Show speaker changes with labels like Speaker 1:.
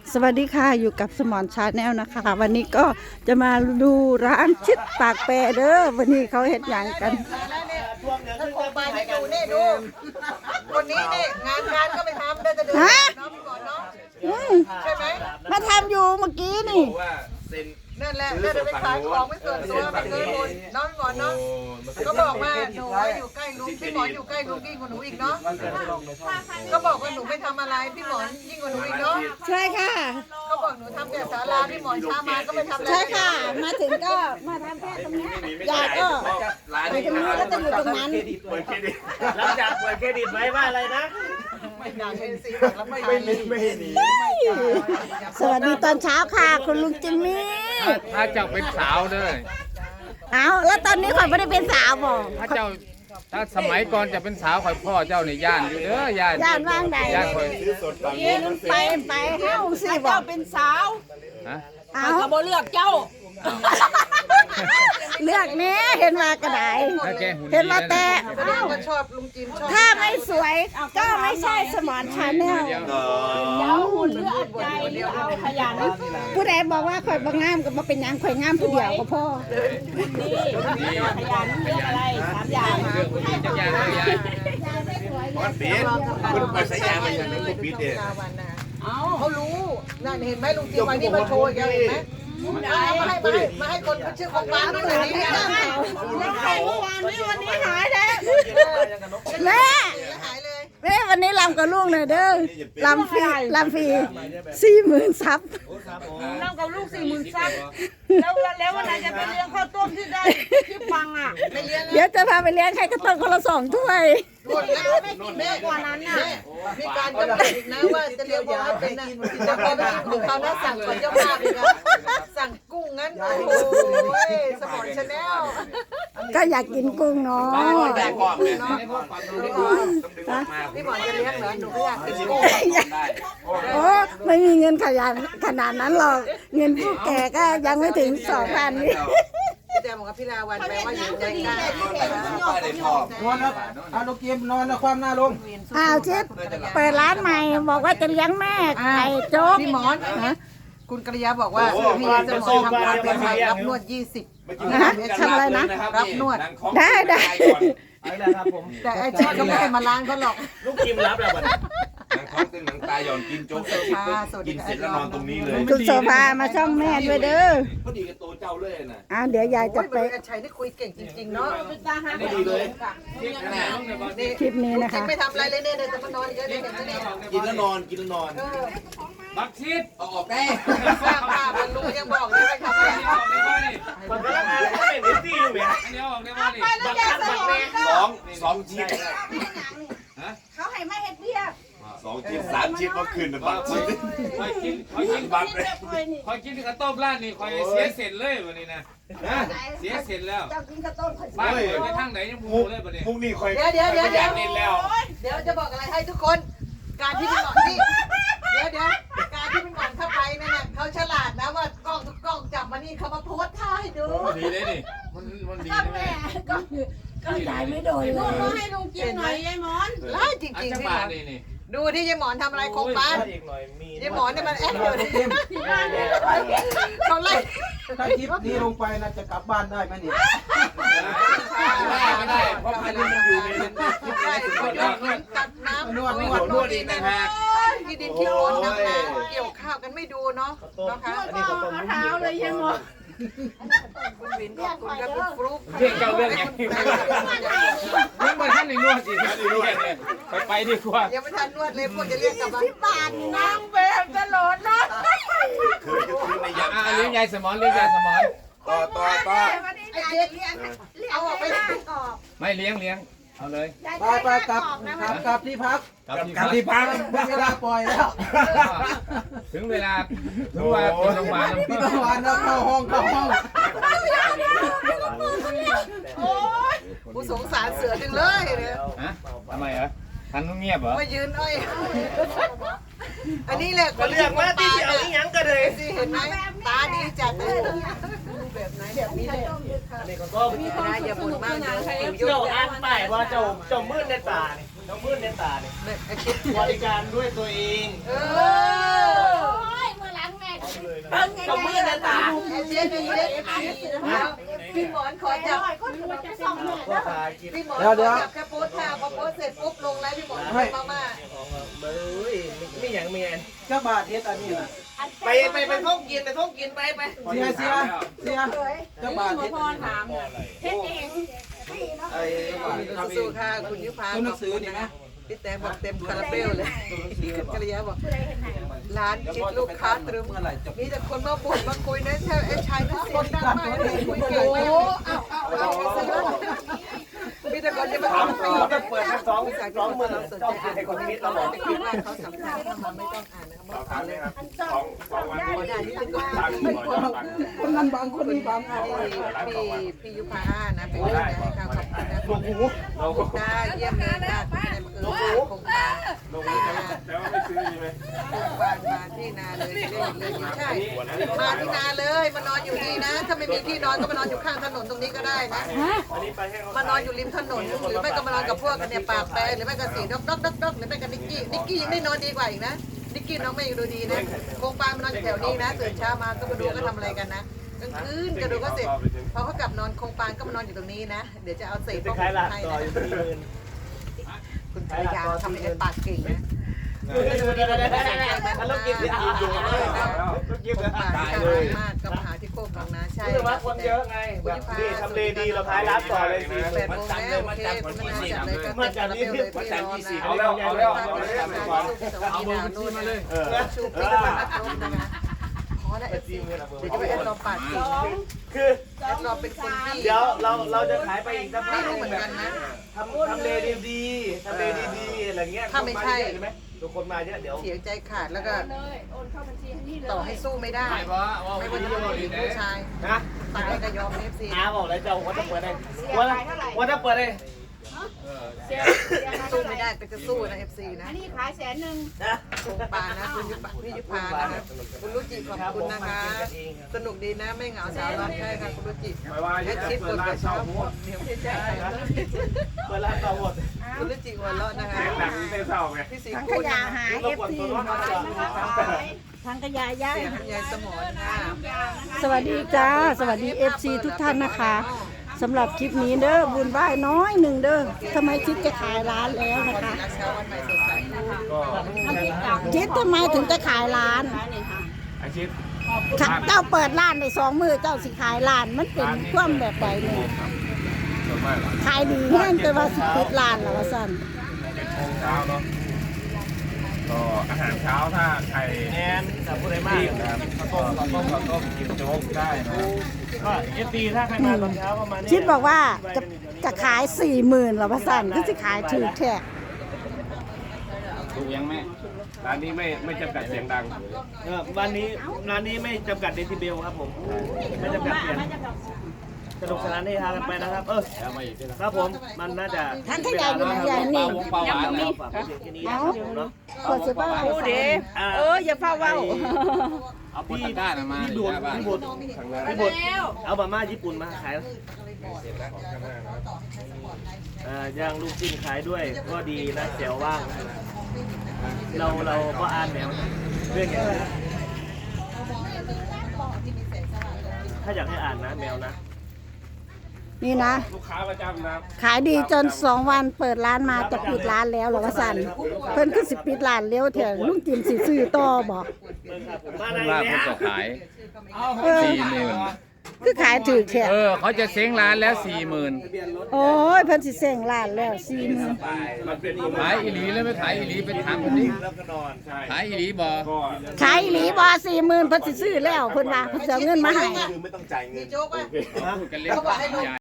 Speaker 1: สวัสดีค่ะอยู่กับสมอนชาแนลนะคะวันนี้ก็จะมาดูร้านชิดปากแปรเด้อวันนี้เขาเห็ดหยังกัน
Speaker 2: ถ้าคงไปไม่อยู่นี่ดูคนนี้นี่งานก็ไม่ทำได้แต่เดินน้องก่อนเนาะใช่ไหม
Speaker 1: มาทำอยู่เมื่อกี้นี่
Speaker 2: นั่นแหละเดินไปขายของไม่ส่วนตัวไม่เคยบ่นน้องก่อนเนาะก็บอกว่าหนูอยู่ใกล้ลุงพี่หมอนอยู่ใกล้ลุงยิ่งกว่าหนูอีกเนาะก็บอกว่าหนูไม่ทำอะไรพี่หมอนยิ่งกว่าหนูอีกเนาะ
Speaker 1: ใช่ค่ะ
Speaker 2: ก็บอกหนูทำแต่ศาลาพี่หมอนช้ามาก็ไม่ทำอะไร
Speaker 1: ใช่ค่ะมาถึงก็มาทำแค่ตรงนี้ยายก็ไปตรงนี้แล้วจะอยู่ตรงนั้น
Speaker 3: หลังจากเปิดเครดิตไว้ว่าอะไรนะ
Speaker 2: ไม่อยากเห็นสีแล้วไม่
Speaker 3: หนี
Speaker 1: สวัสดีตอนเช้าค่ะคุณลุงจิมมี่
Speaker 4: ถ้าเจ้าเป็นสาวเด้อ
Speaker 1: เอาแล้วตอนนี้ข่อยไม่ได้เป็นสาวบอก
Speaker 4: ถ้าสมัยก่อนจะเป็นสาวข่อยพ่อเจ้าในย่านอยู่เด้อย่
Speaker 1: านว่างใด
Speaker 4: ย่านข่อย
Speaker 1: ไปเข้าสิบอก
Speaker 5: เจ้าเป็นสาว
Speaker 1: เอา
Speaker 5: เขาบ่เลือกเจ้า
Speaker 1: เลือกนี้เห็นมากระไดเห็นมาแต่
Speaker 2: ชอบลุงจิมชอบ
Speaker 1: ถ้าไม่สวยก็ไม่ใช่สมอนชาแนล
Speaker 5: เจ้าหุ่นเลือกใจเลือกเอาขยัน
Speaker 1: ผู้ใดบอกว่าข่อยบางงามก็มาเป็นยังข่อยงามผู้เดียวก็พอ
Speaker 5: นี่ขยันเลือกอะไร3อย่าง
Speaker 4: จะย่าง
Speaker 3: วันปีคุณไปสยามไม่ใช่ไม่คุณปีเดีย
Speaker 2: เขารู้นั่นเห็นไหมลุงจิมวันนี้มาโชว์แกเห็นไหมมาให้คนชื่อของบ้านด้วยนี่
Speaker 1: แล้วเมื่อวานนี้วันนี้หายแล้วแม่แม่วันนี้ลำกับลูกหน่อยเด้อลำฟรี40,000 ซับ
Speaker 5: น้องกับลูก40,000 ซับแล้ววันไหนจะไปเลี้ยงข้าวต้มที่ได้ที่ฟังอ่ะ
Speaker 2: ไม่เลี้ยง
Speaker 1: เดี๋ยวจะพาไปเลี้ยงใครก็ต้นคนละ2 ถ้วย
Speaker 5: ไม่กินเยอะกว่านั้นน่ะ
Speaker 2: มีการกำหนดอีกนะว่าจะเลี้ยงว่าเป็นนะจะพอไปกินของเขานะสั่งก่อนเจ้าภาพอีกนะสั่งกุ้งงั้นโอ้ยสมอนชาแนล
Speaker 1: ก็อยากกินกุ้งเนาะ
Speaker 3: แต่ก่อนเนี่ย
Speaker 2: พี่หมอนจะเลี้ยงเหรอหนูก็อยากกินกุ้ง
Speaker 1: โอ้ไม่มีเงินขนาดนั้นหรอกเงินผู้แก่ก็ยังไม่ถึง 2,000 นี่
Speaker 2: พี่แดงบอกกับพี่ลาวันแปลว่าอยู่ใจกล้
Speaker 3: นอนแล้วเอาลูกเกมนอนแล้วความหน้าลง
Speaker 1: ชิดเปิดร้านใหม่บอกว่าจะเลี้ยงแม่ไก่โจ๊ก
Speaker 2: พี่หมอนคุณกริยาบอกว่าพี่จะทำการเป็นไทยรับนวด20
Speaker 1: ทำอะไรนะ
Speaker 2: รับนวด
Speaker 1: ได้
Speaker 3: แต่
Speaker 2: ไอ้เจ้าก็ไม่ให้มาล้างเขาหรอก
Speaker 3: ลูกกิมรับแล้วบัดหนังท้องตึงหนังตาหย่อนกินโจ๊กกินเสร็จแล้วนอนตรงนี้เลย
Speaker 1: คุณโซฟามาช่องแม่ด้วยเด้อ
Speaker 3: พอดีกับโตเจ้าเลย
Speaker 1: นะเดี๋ยวยายจะไป
Speaker 2: ชัยได้คุยเก่งจริงๆเนาะ
Speaker 3: พอดีเลย
Speaker 1: คลิปนี้นะคะ
Speaker 2: ไม่ทำอะไรเลยเนี่ยจะมานอนเยอะเลย
Speaker 3: กินแล้วนอน
Speaker 4: บักชิด
Speaker 3: ออกได้
Speaker 2: สร้างภาพมันลุงยังบอกเลยไม่ทำอะไร
Speaker 3: มันก็งานก็เป็นดิสซี่อยู่เนี่ย
Speaker 4: อันนี้ออกได้ว่านี่
Speaker 3: 2 ชิ้น
Speaker 5: เขาให้ไม่เฮ็ดเบี้ย
Speaker 3: 2 ชิ้น3 ชิ้นก็คืนนะบักชิ้น
Speaker 4: คอยกินบักเลยคอยกินข้าวต้มร้านนี่คอยเสียเสร็จเลยวันนี้นะเสียเสร็จแล้วบ้านคอยไปทางไหนยังมูเลยวันนี้
Speaker 3: พรุ่งนี้คอย
Speaker 2: เดี๋ยวจะบอกอะไรให้ทุกคนการที่เป็นหมอนที่เดี๋ยวการที่เป็นหมอนเข้าไปนั่นน่ะเขาฉลาดนะว่ากล้องทุกกล้องจับมานี่เขามาโพสท่าให้ดู
Speaker 4: ดีเลยนี่มันดีนะแม่
Speaker 1: ก็ยายไม่โดนเลย
Speaker 5: ให้ลุงกินหน่อยยายหมอน
Speaker 2: ร้ายจริงๆพี่หมอนดูที่ยายหมอนทำอะไรโครงบ้านยายหมอนเนี่ยมันแอบอยู่ที่บ้านเนี่ยเขาไล่
Speaker 3: ถ้าคลิปนี้ลงไปนะจะกลับบ้านได้ไหมเนี่ย
Speaker 4: ไม่ได้เพราะมันอยู่ใน
Speaker 2: ตัดน้ำ
Speaker 4: นวดอีกนะฮะ
Speaker 2: ที่ดินที่โอนน้ำเกี่ยวข้าวกันไม่ดูเนาะนะคะ
Speaker 5: เอาเท้าเลยยายหมอน
Speaker 2: คุณวินขอบคุณครับคุณฟลุ๊ก
Speaker 4: เรื่องเก่าเรื่องยังนี่มาท่านในนวดสิท่านในนวดเนี่ยไปดีกว่า
Speaker 2: ยังไม่ทันนวดเลยพวกจะเรียกกลับมา
Speaker 5: ที่บ้านนางแบบตลอดนะ
Speaker 4: เลี้ยงยายสมอนเลี้ยงยายสมอน
Speaker 3: ต่อ
Speaker 2: เอาออกไป
Speaker 4: ไม่เลี้ยงเอาเลย
Speaker 3: ไปกลับที่พักไม่ได้ปล่อยแล้ว
Speaker 4: ถึงเวลาเป็นโรงพยาบาล
Speaker 3: เข้าห้อง
Speaker 2: โอ้ยผู้สงสารเสือจังเลยเนี่ย
Speaker 4: ทำไมเหรอทันต้องเงียบเหรอ
Speaker 2: มายืนอ้อยอันนี้แหละ
Speaker 3: คนเลือกมาที่เอาอีหยังก็เลย
Speaker 2: สิเห็นไหมตาดีจัดเลยแบบไหนแบบนี้เลย
Speaker 3: ก็มี
Speaker 2: นะอย่าบ่นมากนะ
Speaker 3: เจ้าอ่านป้ายว่าเจ้ามืดในตาเนี่ยบริการด้วยตัวเอง
Speaker 2: เล็กพี่หมอนขอจับพี่หมอนขอจับแค่โพสท่าพอโพสเสร็จปุ๊บลงแล้วพี่หมอนไปมาไม่อย่างเมียน
Speaker 6: เจ้าบาทเฮ็ดอันนี้น่ะ
Speaker 2: ไปท่องกินไป
Speaker 6: เสียเจ้าบาทเฮ็ดอันนี้น่ะ
Speaker 5: เฮ็ดเอง
Speaker 6: ไอ้ทำเอ
Speaker 2: สู้
Speaker 6: ง
Speaker 2: ค่ะคุณยุพา
Speaker 6: ตัวหนังสือนี่ไหม
Speaker 2: พี่แตงบอกเต็มคาราเบลเลยกระยาบอกร้านคิดลูกค้าตรึม
Speaker 6: เมื่อไหร่จะ
Speaker 2: มีแต่คนมาบ่นมาคุยนะไอ้ชายทุกคนดังมากเลยคุยเก่งมากมีแต่คนจะมาทำปีจะเปิดทั้งสองเมื่อเราสนใจอ่านคนนี้เราบอกจะคิดว่าเขาสัมภาษณ์เข้ามาไม่ต้องอ่านนะครับ
Speaker 3: ถามเลยครับสองวันนี้
Speaker 2: ด่านี่เป็นคน
Speaker 3: ทางหน่อยจะฟัง
Speaker 6: คนนั้นบางคนนี้บางเอา
Speaker 2: พี่ยุพานะเป็นคนให้ข่าวขอบคุณนะขอบคุณนะเยี่ยมเลยค่ะคุณนายคงมา
Speaker 3: ลงแล้วไม่ซื้อใช่ไหม
Speaker 2: มาที่นาเลยใช่มาที่นาเลยมานอนอยู่นี่นะถ้าไม่มีที่นอนก็มานอนอยู่ข้างถนนตรงนี้ก็ได้นะมานอนอยู่ริมถนนหรือไม่ก็มานอนกับพวกกันเนี่ยปากแปรหรือไม่ก็สีดอกหรือไม่ก็นิกกี้ยังได้นอนดีกว่าอีกนะนิกกี้น้องไม่ดูดีนะโคงปางมานอนแถวนี้นะตื่นเช้ามาก็มาดูก็ทำอะไรกันนะกลางคืนก็ดูก็เสร็จพอเขากลับนอนโคงปางก็มานอนอยู่ตรงนี้นะเดี๋ยวจะเอาเศษพวกนี้ให้นะคุณภรรยาทำให้ปากเก่งนะแล้วกินที่อาตายเลยมากกับหาที่โคกของนาใช่ว่าคนเยอะไงแบบดีทำเลดีเราขายร้านต่อเลยสิ8 โมงแล้วโอเคคุณนาจัดเลยก็จัดเลยพี่รอนะเอามือขึ้นมาเลยชูปีกมาลงนะคะขอได้เดี๋ยวจะไปแอดรอปาดจริงคือแอดรอเป็นคนที่
Speaker 7: เดี๋ยวเราจะขายไปอีกสักพั
Speaker 2: ไม่
Speaker 7: ก
Speaker 2: รู้เหมือนกันนะ
Speaker 7: ทำเลดีๆทำเลดีๆอะไรเงี้ย
Speaker 2: ถ้าไม่ใช่
Speaker 7: ใช่ไหมทุกคนมาเยอะเดี๋ยว
Speaker 2: เสียใจขาดแล้วก็ต่อให้สู้ไม่ได้
Speaker 4: ไม่ว่า
Speaker 2: ไม่ว่าจะเป็นผู้หญิงผู้ชาย
Speaker 7: นะ
Speaker 2: ตายก็ยอมเอฟซี
Speaker 7: น้าบอกแล้วจะว่าจะเปิดได้ว่าจะเปิดได้
Speaker 2: สู้ไม่ได้ก็จะสู้นะเอฟซีนะ
Speaker 5: อันนี้ขาย100,000
Speaker 7: นะ
Speaker 2: คงปานะคุณพี่ยุพานะคะคุณรุจิขอบคุณนะคะ สนุกดีนะไม่เหงาสาวร้อนใช่ค่ะคุณรุจิแค่คิดบนกระเช้าเดี๋ยวไม่ใช่
Speaker 7: เปิดร้านต่อหมด
Speaker 2: คุณรุจิหัวเราะนะคะ
Speaker 3: หนังเต้เศร้าไง
Speaker 2: พี่สี
Speaker 1: ถังข
Speaker 2: คุณ
Speaker 1: ยะหาย
Speaker 7: รบกวนตัวน้องมาก่อน
Speaker 1: ถังขยะย้าย
Speaker 2: เสียงยายสมอนค่ะ
Speaker 1: สวัสดีจ้าสวัสดี FC ทุกท่านนะคะสำหรับคลิปนี้เด้อบุญไหว้น้อยหนึ่งเด้อทำไมคิดจะขายร้านแล้วนะคะ
Speaker 2: รักเช้าวันใหม่สดใส
Speaker 1: คิดทำไมถึงจะขายร้าน
Speaker 3: อาชีพ
Speaker 1: เจ้าเปิดร้านใน2 มือเจ้าสิขายร้านมันเป็นความแบบใดเนี่ย
Speaker 3: ส่วนมาก
Speaker 1: ขายดีแห้งแต่ว่าสิปิดร้านแล้วว่าซั่น
Speaker 3: 7 โมงเช้าเนาะก็อาหารเช้าถ้าใคร
Speaker 7: แอนสับผู้ใดมาก
Speaker 3: รีบนะครับข้าวต้มกินโจ๊กได้นะ
Speaker 7: ก็เอฟซีถ้าใครมาตอนเช้าประมาณนี้
Speaker 1: คิดบอกว่าจะขาย 40,000แล้วว่าซั่นก็สิขายถูกแท้
Speaker 3: ถูกยังแม่ร้านนี้ไม่จำกัดเสียงดัง
Speaker 7: วันนี้ร้านนี้ไม่จำกัดเดซิเบลครับผมไม่จำกัดเสียงสนุกสนานให้ทานกันไปนะครับครับผมมันน่าจะ
Speaker 1: ถังขยะอยู่ไหนยายนี่
Speaker 4: ปลาหวานแล้ว
Speaker 7: ฝากผู้เสียงแค่นี้นะครับผมเนาะ
Speaker 1: กดสิบ่ให้ฟัง
Speaker 5: อย่าเฝ้าเว้า
Speaker 4: เอาปตะก้ามา
Speaker 7: พี่บุญพี่บุญพี่บุญเอามาม่าญี่ปุ่นมาขายย่างลูกชิ้นขายด้วยก็ดีนะแจ๋วว่างเราก็อ่านแนวเรื่องอย่างนี้ถ้าอยากให้อ่านนะแมวนะ
Speaker 1: นี่นะ
Speaker 3: ลูกค้าประจำนะ
Speaker 1: ขายดีจน2 วันเปิดร้านมาจะปิดร้านแล้วเหรอว่าซั่นเพิ่นคือสิปิดร้านเร็วแท้ลุงจิมสิซื้อต่อบ่
Speaker 7: มาไหน
Speaker 4: ลาบ
Speaker 7: เนี่
Speaker 4: มัน
Speaker 7: ย
Speaker 4: จะขาย 40,000
Speaker 1: คือขายถูกแท้
Speaker 4: เขาจะเซ้งร้านแล้ว
Speaker 1: โอ้ยเพิ่นสิเซ้งร้านแล้ว40,000
Speaker 3: มันเป็น
Speaker 4: 40,000ขายอีหลีแล้วไม่ขายอีหลีไปถามคนนี้
Speaker 7: แล้วก็นอนใช่
Speaker 4: ขายอีหลีบ่
Speaker 3: ก็
Speaker 1: ขายอีหลีบ่40,000เพิ่นสิซื้อแล้วเพิ่นว่าเพิ่นสิเอาเงินมาให้
Speaker 3: คือไม่ต้องจ่ายเงิน
Speaker 2: โจ๊กอ่ะ
Speaker 4: พูดกันเล่น